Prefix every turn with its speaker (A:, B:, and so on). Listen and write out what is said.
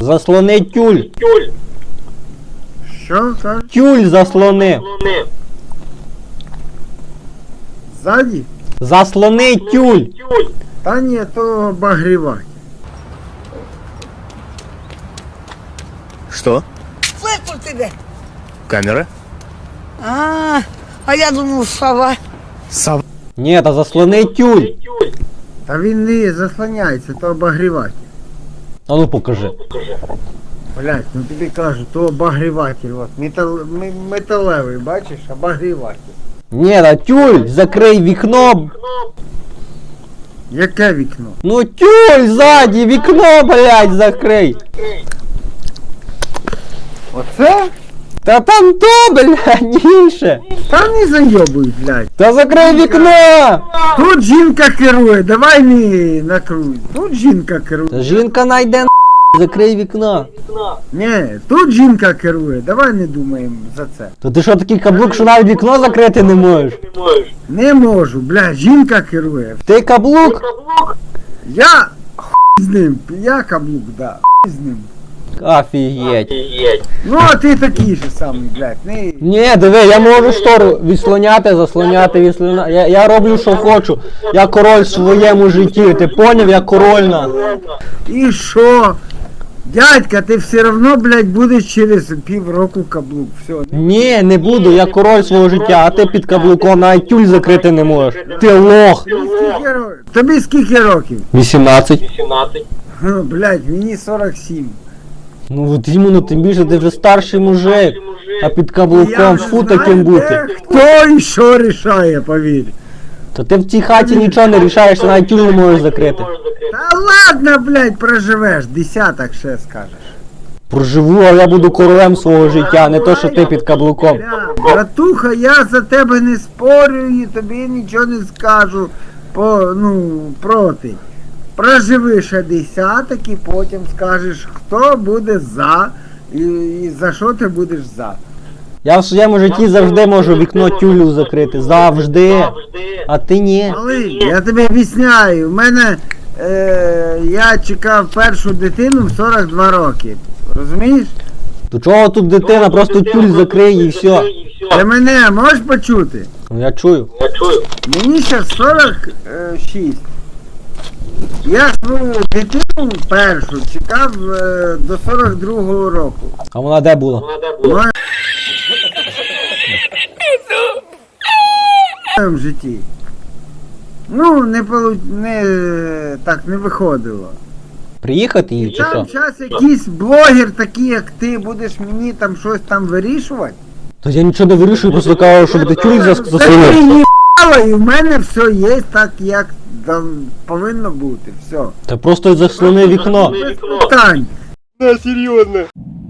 A: Заслони тюль.
B: Що кажеш?
A: Тюль заслони.
B: Ззаді?
A: Заслони тюль.
B: Та ні, то обогріватель.
C: Что?
D: Слышал тебя?
C: Камера?
D: А я думал, сова.
C: Сов...
A: Ні, та заслони тюль.
B: Та він не заслоняється, то обогріватель.
A: А ну покажи.
B: Блять, ну тобі кажу, то обогріватель. От, металевий, бачиш, обогріватель.
A: Ні, та тюль, закрий вікно.
B: Яке вікно?
A: Ну тюль ззаді, вікно, блядь, закрий.
B: Оце?
A: Та там то, блядь, інше.
B: Та не зайобуй, блядь.
A: Та закрий вікно.
B: Тут жінка керує, давай не накруй. Тут жінка керує.
A: Та жінка найде закрий вікно.
B: Ні, тут жінка керує, давай не думаємо за це.
A: То ти що такий каблук, що навіть вікно закрити не можеш?
B: Не можу, блядь, жінка керує.
A: Ти каблук?
B: Я хуй з ним, я каблук, да, хуй з ним.
A: Офігеть.
B: Ну, а ти такий же самий, блядь, не...
A: Ні, диви, я можу штору відслоняти, заслоняти, відслоняти. Я роблю, що хочу. Я король в своєму житті. Ти поняв, я корольна.
B: І що? Дядька, ти все равно, блядь, будеш через півроку каблук, все.
A: Ні, не буду, я король свого життя, а ти під каблуком навіть тюль закрити не можеш. Ти лох.
B: Тобі скільки років?
A: 18.
B: Блядь, мені 47.
A: Ну от іменно, тим більше ти вже старший мужик. А під
B: Я
A: каблуком
B: вже
A: фу
B: знаю,
A: таким бути.
B: де хто і що рішає, повір.
A: То ти в цій хаті нічого не рішаєш, ти навіть тюль не можеш закрити.
B: Та ладно, блядь, проживеш, десяток ще скажеш.
A: Проживу, а я буду королем свого життя, не то, що ти під каблуком.
B: Бля, братуха, я за тебе не спорю і тобі нічого не скажу проти. Проживи ще десяток і потім скажеш, хто буде за і за що ти будеш за.
A: Я в своєму житті завжди можу вікно тюлю закрити. Завжди. А ти ні.
B: Малий, я тобі об'ясняю, в мене я чекав першу дитину в 42 роки. Розумієш?
A: То чого тут дитина? Просто тюль закриє і все.
B: Ти мене можеш почути?
A: Ну я чую.
B: Мені зараз 46. Я свою дитину першу чекав до 42-го року.
A: А вона де була?
B: В моєму житті. Ну, так не виходило.
A: Приїхати їй
B: І
A: чи
B: там
A: що?
B: зараз якийсь блогер такий, як ти, будеш мені там щось там вирішувати.
A: То я нічого не вирішую, просто кажу, щоб ти тюль
B: Та
A: засунув.
B: ти їбала, і в мене все є так, як повинно бути. Все.
A: Та просто заслони вікно.
B: Без питань.
C: Да, серьезно.